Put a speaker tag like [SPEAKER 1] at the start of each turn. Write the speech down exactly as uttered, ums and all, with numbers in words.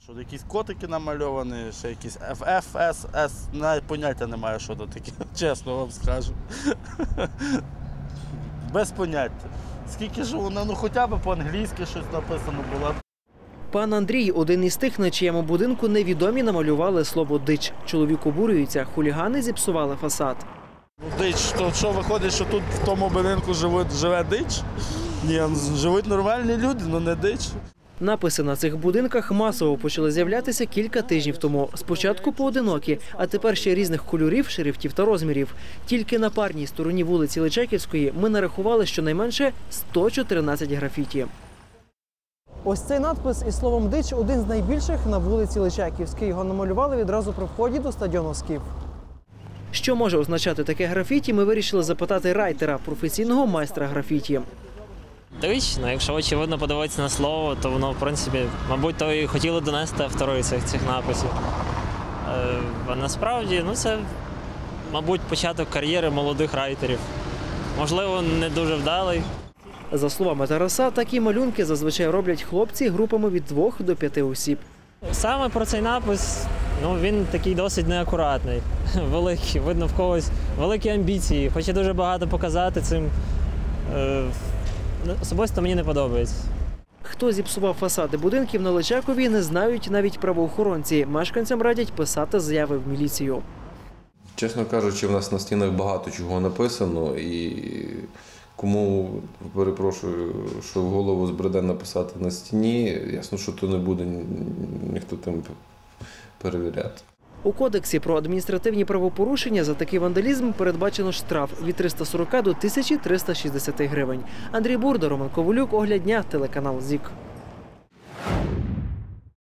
[SPEAKER 1] Що якісь котики намальовані, ще якісь Ф Ф С С, навіть поняття немає, що це таке, чесно вам скажу. Без поняття. Скільки ж воно, ну хоча б по-англійськи щось написано було.
[SPEAKER 2] Пан Андрій – один із тих, на чиєму будинку невідомі намалювали слово «дич». Чоловік обурюється, хулігани зіпсували фасад.
[SPEAKER 1] Дич, то що виходить, що тут в тому будинку живе, живе дич? Ні, живуть нормальні люди, але не дич.
[SPEAKER 2] Написи на цих будинках масово почали з'являтися кілька тижнів тому. Спочатку поодинокі, а тепер ще різних кольорів, шрифтів та розмірів. Тільки на парній стороні вулиці Личаківської ми нарахували щонайменше сто чотирнадцять графіті. Ось цей надпис із словом «дич» – один з найбільших на вулиці Личаківській. Його намалювали відразу при вході до стадіону «Скіф». Що може означати таке графіті, ми вирішили запитати райтера, професійного майстра графіті.
[SPEAKER 3] Дич, ну якщо очевидно подивитися на слово, то воно, в принципі, мабуть, то і хотіли донести автори цих, цих написів. Е, а насправді, ну це, мабуть, початок кар'єри молодих райтерів. Можливо, не дуже вдалий.
[SPEAKER 2] За словами Тараса, такі малюнки зазвичай роблять хлопці групами від двох до п'яти осіб.
[SPEAKER 3] Саме про цей напис, ну він такий досить неакуратний, великий, видно в когось великі амбіції, хоче дуже багато показати цим. Е, Особисто мені не подобається.
[SPEAKER 2] Хто зіпсував фасади будинків на Личакові, не знають навіть правоохоронці. Мешканцям радять писати заяви в міліцію.
[SPEAKER 4] Чесно кажучи, в нас на стінах багато чого написано, і кому, перепрошую, що в голову збреде написати на стіні, ясно, що то не буде ніхто тим перевіряти.
[SPEAKER 2] У кодексі про адміністративні правопорушення за такий вандалізм передбачено штраф від триста сорока до тисячі трьохсот шістдесят гривень. Андрій Бурда, Роман Ковалюк, Огляд дня, телеканал ЗІК.